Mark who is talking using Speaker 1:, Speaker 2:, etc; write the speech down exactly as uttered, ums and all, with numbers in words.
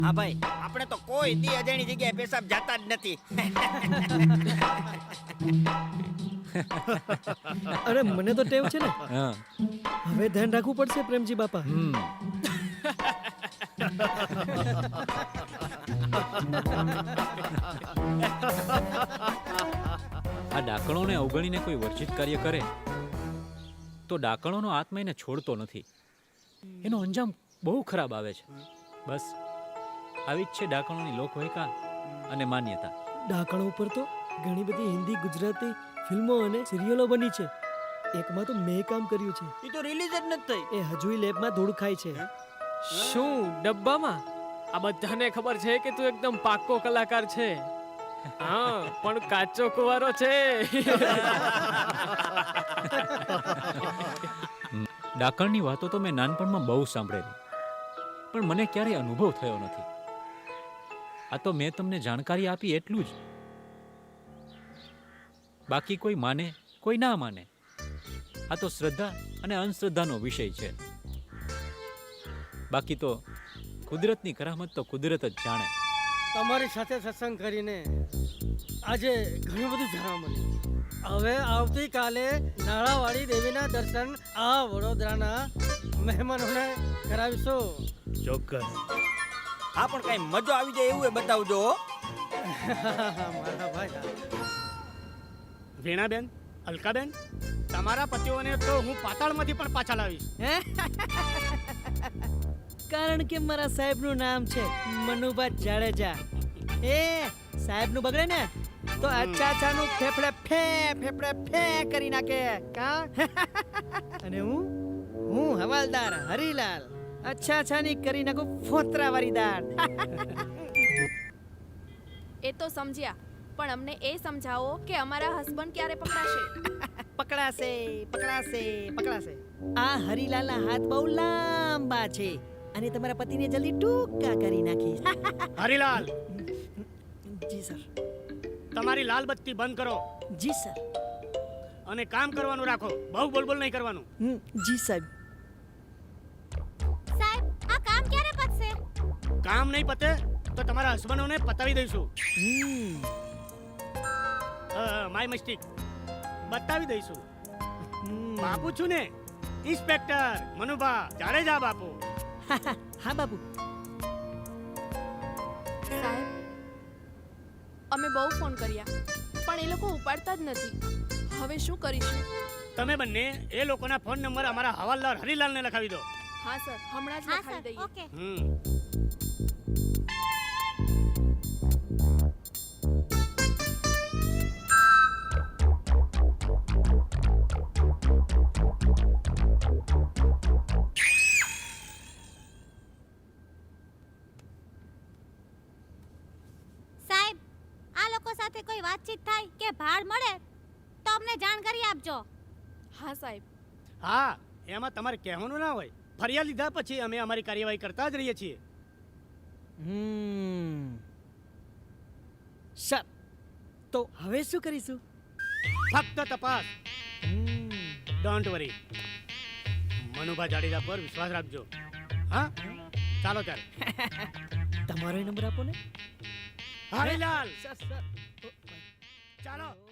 Speaker 1: હા ભાઈ, આપણે તો કોઈ દી અજાણી જગ્યાએ પેશાબ જાતા જ નથી.
Speaker 2: અરે મને તો ટેવ છે ને.
Speaker 3: હા.
Speaker 2: હવે ધ્યાન રાખવું પડશે પ્રેમજી બાપા.
Speaker 3: હમ. આ ડાકણોને અવગણીને કોઈ વર્જિત કાર્ય કરે તો ડાકણોનો આત્મા એને છોડતો નથી. એનો અંજામ બહુ ખરાબ આવે છે. બસ આવી જ છે ડાકણોની લોકવાયકા અને માન્યતા.
Speaker 2: ડાકણો ઉપર તો ઘણી બધી હિન્દી ગુજરાતી ફિલ્મો અને સિરિયલો બની છે. એકમાં તો મેં કામ કર્યું છે.
Speaker 1: એ તો રિલીઝ જ નથી થઈ.
Speaker 2: એ હજુય લેબમાં ધૂળ ખાય છે.
Speaker 4: શું ડબ્બામાં? આ બધાને ખબર છે કે તું એકદમ પાક્કો કલાકાર છે. હા, પણ કાચો કુંવારો છે.
Speaker 3: ડાકણની વાતો તો મેં નાનપણમાં બહુ સાંભળેલી, પણ મને ક્યારેય અનુભવ થયો નથી. આ તો મેં તમને જાણકારી આપી એટલું જ. બાકી કોઈ માને કોઈ ના માને, આ તો શ્રદ્ધા અને અંધશ્રદ્ધાનો વિષય છે. બાકી તો કુદરતની કરામત તો કુદરત જ જાણે.
Speaker 5: તમારી સાથે સત્સંગ કરીને આજે ઘણું બધું જાણવા મળ્યું. હવે આવતીકાલે નાળાવાળી દેવીના દર્શન આ વડોદરાના મહેમાનોને કરાવીશું.
Speaker 2: ચોક્કસ.
Speaker 1: હા, પણ કઈ મજો આવી જાય એવું એ બતાવજો હો.
Speaker 5: મારા ભાઈ
Speaker 6: વીણાબેન, અલકાબેન, તમારા પતિઓને તો હું પાતાળમાંથી પણ પાછા લાવીશ.
Speaker 2: કારણ કે મારા સાહેબનું નામ છે મનુભા જાડેજા. એ સાહેબનું બગડે ને તો અચ્છા અચ્છાનું ફેફડે ફે ફેફડે ફે કરી નાખે. કા અને હું હું હવાલદાર હરીલાલ અચ્છા અચ્છાની કરી નાખું ફોતરાવાળી દાળ.
Speaker 7: એ તો સમજ્યા, પણ અમને એ સમજાવો કે અમારા હસબન્ડ ક્યારે પકડાશે?
Speaker 2: પકડાશે પકડાશે પકડાશે. આ હરીલાલના હાથ બહુ લાંબા છે અને તમારા પતિને જલ્દી ટૂંકા કરી નાખીશ.
Speaker 6: હરિલાલ,
Speaker 2: જી સર.
Speaker 6: તમારી લાલ બત્તી બંધ કરો
Speaker 2: જી સર.
Speaker 6: અને કામ કરવાનું રાખો. બહુ બોલબોલ નહીં કરવાનું.
Speaker 2: હમ, જી સાહેબ.
Speaker 7: સાહેબ, આ કામ ક્યારે પતશે?
Speaker 6: કામ નહીં પતે તો તમારા હસબન્ડોને પતાવી દઈશું.
Speaker 2: હમ.
Speaker 6: માય મિસ્ટેક, બતાવી દઈશું.
Speaker 2: હમ.
Speaker 6: બાપુ છું ને, ઇન્સ્પેક્ટર મનુભા જાડેજા બાપુ.
Speaker 2: હા બાબુ.
Speaker 7: સાહેબ, અમે બહુ ફોન કર્યા પણ એ લોકો ઉપાડતા જ નથી. હવે શું કરીશું?
Speaker 6: તમે બંને એ લોકોના ફોન નંબર અમારા હવાલદાર હરિલાલને લખાવી દો.
Speaker 7: હા સર, હમણાં જ લખાવી દઈએ. ઓકે.
Speaker 6: હમ
Speaker 8: સાહેબ, આ લોકો સાથે કોઈ વાતચીત થાય કે ભાડ મળે તો અમને જાણ કરી આપજો.
Speaker 7: હા સાહેબ.
Speaker 6: હા, એમાં તમારે કહેવાનું ના હોય. ફરિયાદ લીધા પછી અમે અમારી કાર્યવાહી કરતા જ રહીએ છીએ.
Speaker 2: હમ. સર, તો હવે શું કરીશું?
Speaker 6: ફક્ત તપાસ.
Speaker 2: હમ.
Speaker 6: Don't worry. મનુભા જાડેજા પર વિશ્વાસ રાખજો. હા, ચાલો ત્યારે.
Speaker 2: તમારો નંબર આપો ને.
Speaker 6: Harilal,
Speaker 2: sir sir.
Speaker 6: ચાલો.